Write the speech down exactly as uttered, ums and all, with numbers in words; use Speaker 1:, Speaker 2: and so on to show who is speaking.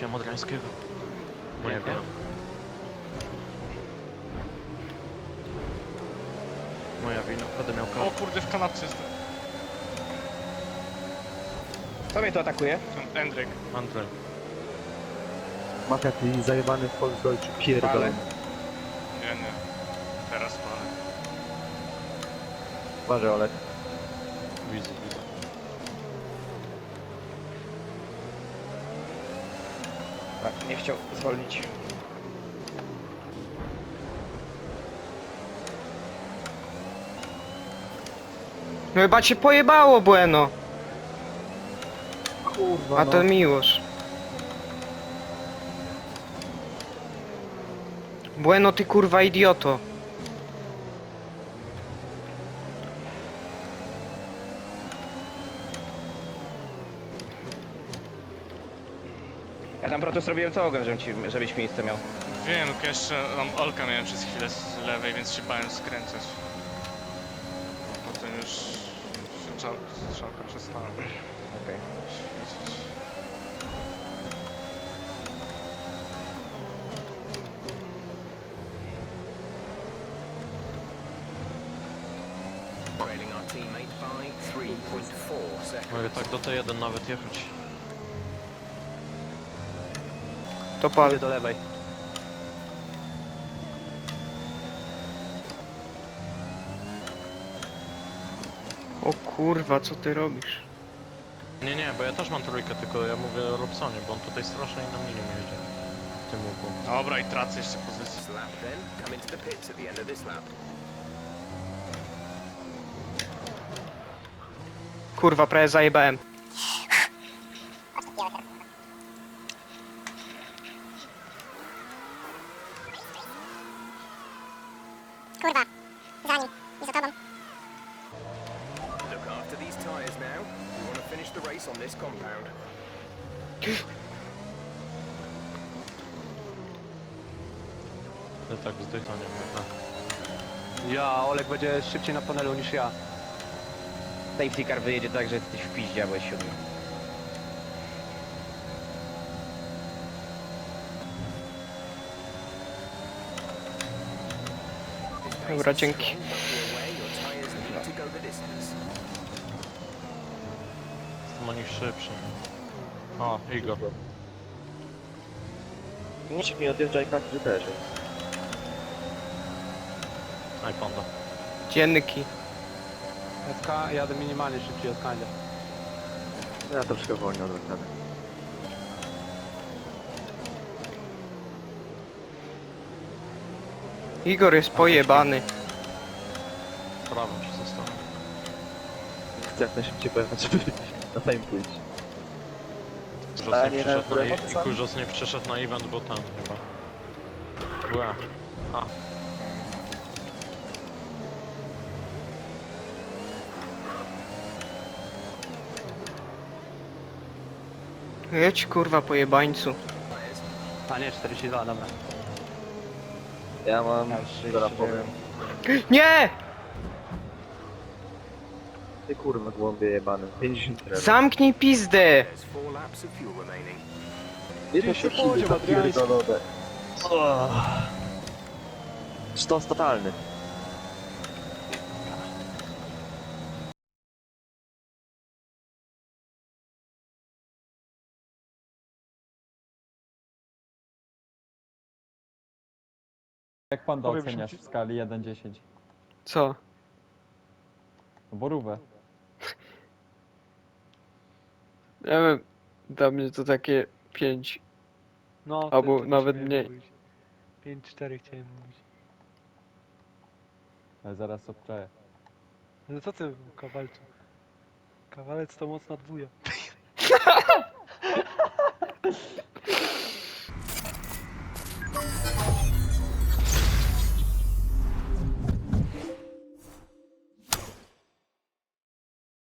Speaker 1: wróciłem od Rańskiego. Moja
Speaker 2: Nie
Speaker 1: wina. Moja wina, będę miał
Speaker 3: O
Speaker 1: karę.
Speaker 3: kurde, w kanapce jestem.
Speaker 2: Kto mnie tu atakuje?
Speaker 3: Ten Endryk.
Speaker 1: Andrzej.
Speaker 4: Mafia, ty zajebany w Volksdeutsche pierdolony.
Speaker 3: Nie, nie. Teraz palę.
Speaker 4: Uważaj, Olek.
Speaker 1: Widzę, widzę.
Speaker 2: Tak, nie chciał zwolnić.
Speaker 5: No chyba cię pojebało, Bueno.
Speaker 4: Kurwa,
Speaker 5: A to
Speaker 4: no.
Speaker 5: Miłosz. Bueno, ty kurwa idioto.
Speaker 2: Ja tam protest robiłem całogiem, żebym ci, żebyś miejsce miał.
Speaker 3: Wiem, tylko jeszcze tam Olka miałem przez chwilę z lewej, więc się bałem skręcać. A potem już się czał, strzałka przestała
Speaker 2: Okej.
Speaker 3: świecić.
Speaker 6: Trailing our teammate by three point four seconds.
Speaker 1: Mogę tak do T jeden nawet jechać.
Speaker 5: To pal.
Speaker 4: Idę do lewej.
Speaker 5: O kurwa, co ty robisz?
Speaker 1: Nie, nie, bo ja też mam trójkę, tylko ja mówię o Robsonie, bo on tutaj strasznie na mnie nie jedzie. W tym łuku.
Speaker 3: Dobra, i tracę jeszcze pozycję.
Speaker 6: Lap then, come into the pits at the end of this lap.
Speaker 5: Kurwa, prawie zajebałem.
Speaker 7: Kurwa, za nim i za tobą.
Speaker 6: Look after these tyres now. We want to finish the race on this compound.
Speaker 1: Ja tak zdychanie mówię.
Speaker 4: Ja, Olek będzie szybciej na panelu niż ja.
Speaker 2: Safety car wyjedzie tak, że jesteś w piździe, bo jest siódmy.
Speaker 5: Dobra, dzięki.
Speaker 6: Don't be away, your tyres need to go the distance.
Speaker 1: Jestem o nich szybszy. O, Igor.
Speaker 4: Nikt mi odjeżdża i każdy też.
Speaker 1: Aj, panda.
Speaker 5: Dziennyki.
Speaker 8: F K jadę minimalnie szybciej od Kandia.
Speaker 4: Ja troszkę wolniej odwrócę.
Speaker 5: Igor jest pojebany.
Speaker 1: Prawą ci zostawię.
Speaker 4: Chcę jak najszybciej pojechać, żeby na time pójść.
Speaker 1: Kurzos
Speaker 4: A,
Speaker 1: nie
Speaker 4: nie,
Speaker 1: przyszedł
Speaker 4: na
Speaker 1: na,
Speaker 4: lewo,
Speaker 1: i
Speaker 4: co?
Speaker 1: Kurzos nie przyszedł na event, bo tam chyba. Ła. A.
Speaker 5: Jedź kurwa pojebańcu.
Speaker 8: A nie, czterdzieści dwa, dobra.
Speaker 4: Ja mam, zaraz powiem.
Speaker 5: Nie!
Speaker 4: Ty kurwa głąbie jebany. pięćdziesiąt level.
Speaker 5: Zamknij pizdę!
Speaker 6: There's four laps of fuel remaining.
Speaker 4: Ile
Speaker 8: się
Speaker 4: to
Speaker 8: podział,
Speaker 4: siły
Speaker 8: Adriański.
Speaker 4: pierdolone. Stos totalny.
Speaker 8: Jak pan to
Speaker 3: Powiem
Speaker 8: oceniasz
Speaker 3: ci-
Speaker 8: w skali jeden do dziesięciu?
Speaker 5: Co?
Speaker 8: No borówę.
Speaker 5: Ja wiem, dla mnie to takie pięć.
Speaker 9: No,
Speaker 5: Albo
Speaker 9: to- to
Speaker 5: nawet
Speaker 9: śmiałem
Speaker 5: mniej.
Speaker 9: mówić. pięć cztery chciałem mówić.
Speaker 8: Ale zaraz obczaję.
Speaker 9: No co ty, kawalcu? Kawalec to mocna dwuja.